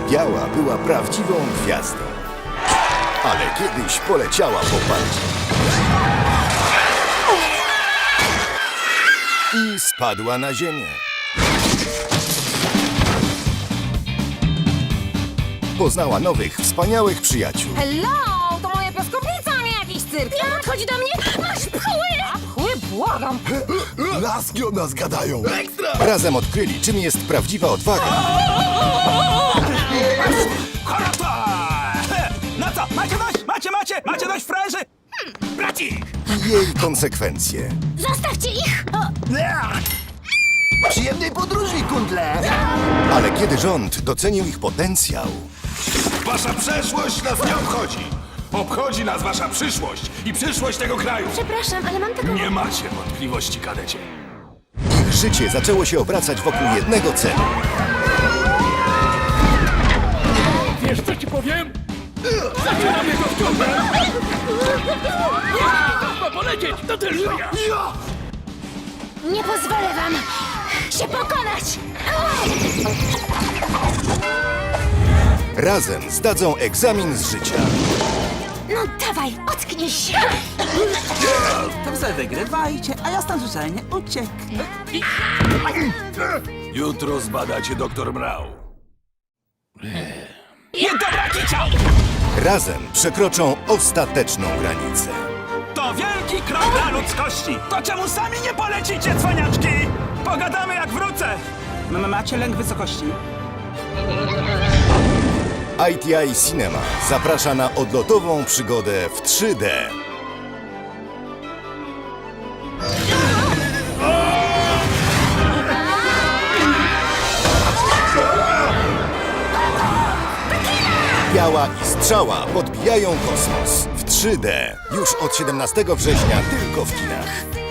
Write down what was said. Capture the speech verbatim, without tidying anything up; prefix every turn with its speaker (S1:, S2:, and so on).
S1: Biała była prawdziwą gwiazdą. Ale kiedyś poleciała po parcie. I spadła na ziemię. Poznała nowych, wspaniałych przyjaciół.
S2: Hello! To moja piaskownica, a nie jakiś cyrk! Nie podchodzi do mnie! Masz pchły! A pchły? Błagam!
S1: Laski o nas gadają. Ekstra! Razem odkryli, czym jest prawdziwa odwaga.
S3: Harata! No co, macie dość? Macie, macie? Macie dość, frajerzy? Hmm, bracik!
S1: I jej konsekwencje.
S2: Zostawcie ich!
S4: Przyjemnej podróży, kundle!
S1: Ale kiedy rząd docenił ich potencjał,
S5: Wasza przeszłość nas nie obchodzi. Obchodzi nas wasza przyszłość i przyszłość tego kraju.
S2: Przepraszam, ale mam taką...
S5: Nie macie wątpliwości, kadecie.
S1: ich życie zaczęło się obracać wokół jednego celu.
S6: Wiesz, co ci powiem? Zaczynam jego wciągać! Ma polecieć! To tylko ja!
S2: Nie pozwolę wam się pokonać!
S1: Razem zdadzą egzamin z życia.
S2: No dawaj, ocknij się!
S3: To wy wygrywajcie, a ja stąd żenie ucieknę.
S5: Jutro zbadacie doktor Mrał.
S3: I dobra kicia!
S1: Razem przekroczą ostateczną granicę.
S3: To wielki krok dla ludzkości! To czemu sami nie polecicie, cwaniaczki? Pogadamy jak wrócę! M macie lęk wysokości?
S1: I T I Cinema zaprasza na odlotową przygodę w trzy D. Biała i Strzała podbijają kosmos w trzy D. Już od siedemnastego września tylko w kinach.